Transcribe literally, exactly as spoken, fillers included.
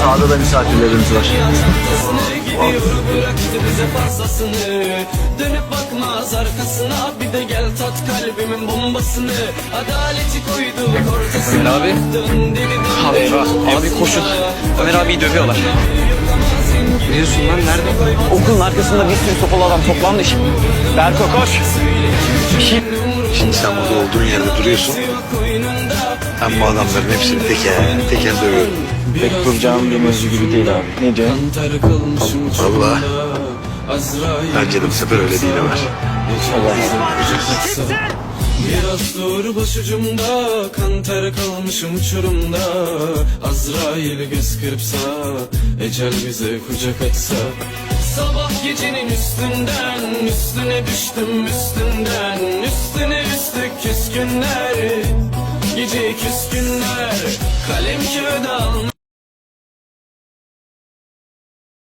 Sağda da misafirlerimiz var. Dönüp bakmaz arkasına, bir de gel tat kalbimin bombasını. Adaleti koyduk ortasına. Ömer abi. Abi eyvah. Abi koşun. Ömer abiyi dövüyorlar. Ne diyorsun lan, nerede? Okulun arkasında bir sürü sopalı adam toplanmış. Berko koş. Bir şey... Şimdi sen burada olduğun yerde duruyorsun. Ben bu adamların hepsini teker teker dövüyorum. Pek duracağım bir mevzu gibi değil abi. Ne diyorsun? Vallahi bence de bu sefer öyle değil Ömer. Biraz dur başucumda, kan ter kalmışım uçurumda. Azrail göz kırpsa, ecel bize kucak açsa. Sabah gecenin üstünden, üstüne düştüm üstünden. Üstüne üstlük küskünler, gece küskünler. Kalem kağıda almış